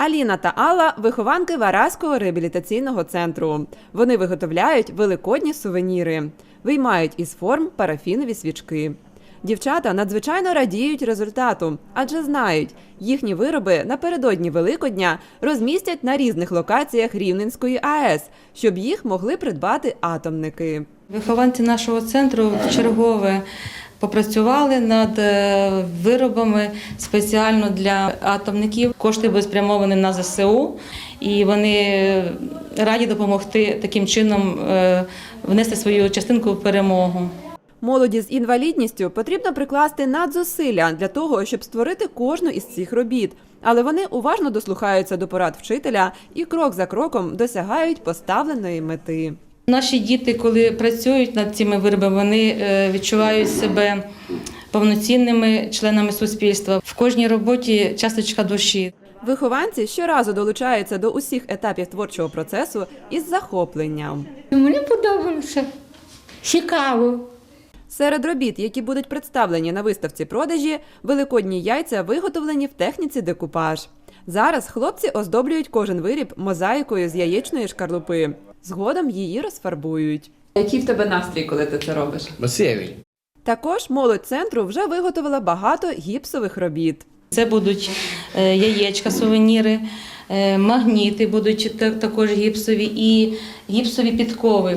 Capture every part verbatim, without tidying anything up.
Аліна та Алла – вихованки Вараського реабілітаційного центру. Вони виготовляють великодні сувеніри. Виймають із форм парафінові свічки. Дівчата надзвичайно радіють результату, адже знають, їхні вироби напередодні Великодня розмістять на різних локаціях Рівненської АЕС, щоб їх могли придбати атомники. Вихованці нашого центру вчергове попрацювали над виробами спеціально для атомників. Кошти були спрямовані на зе се у, і вони раді допомогти таким чином внести свою частинку в перемогу. Молоді з інвалідністю потрібно прикласти надзусилля для того, щоб створити кожну із цих робіт. Але вони уважно дослухаються до порад вчителя і крок за кроком досягають поставленої мети. Наші діти, коли працюють над цими виробами, вони відчувають себе повноцінними членами суспільства. В кожній роботі часточка душі. Вихованці щоразу долучаються до усіх етапів творчого процесу із захопленням. Мені подобалося. Цікаво. Серед робіт, які будуть представлені на виставці продажі, великодні яйця виготовлені в техніці декупаж. Зараз хлопці оздоблюють кожен виріб мозаїкою з яєчної шкарлупи. Згодом її розфарбують. Який в тебе настрій, коли ти це робиш? Веселий. Також молодь центру вже виготовила багато гіпсових робіт. Це будуть яєчка, сувеніри, магніти будуть також гіпсові і гіпсові підкови,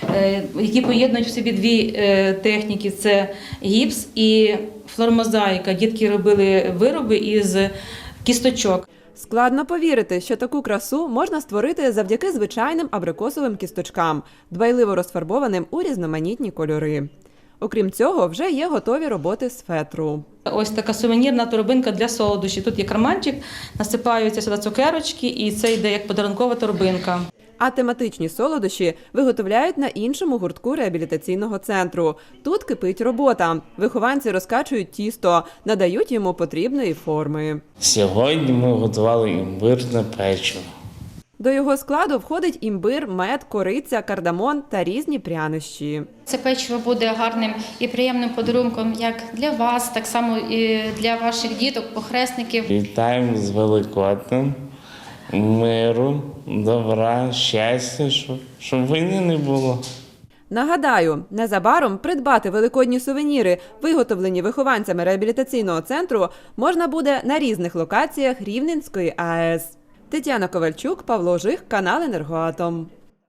які поєднують в собі дві техніки – це гіпс і флормозаїка. Дітки робили вироби із кісточок. Складно повірити, що таку красу можна створити завдяки звичайним абрикосовим кісточкам, дбайливо розфарбованим у різноманітні кольори. Окрім цього, вже є готові роботи з фетру. Ось така сувенірна торбинка для солодощів. Тут є карманчик, насипаються сюди цукерочки, і це йде як подарункова торбинка. А тематичні солодощі виготовляють на іншому гуртку реабілітаційного центру. Тут кипить робота. Вихованці розкачують тісто, надають йому потрібної форми. Сьогодні ми готували імбирне печиво. До його складу входить імбир, мед, кориця, кардамон та різні прянощі. Це печиво буде гарним і приємним подарунком як для вас, так само і для ваших діток, похресників. Вітаємо з Великоднем, миру, добра, щастя, щоб, щоб війни не було. Нагадаю, незабаром придбати великодні сувеніри, виготовлені вихованцями реабілітаційного центру, можна буде на різних локаціях Рівненської АЕС. Тетяна Ковальчук, Павло Жих, канал «Енергоатом».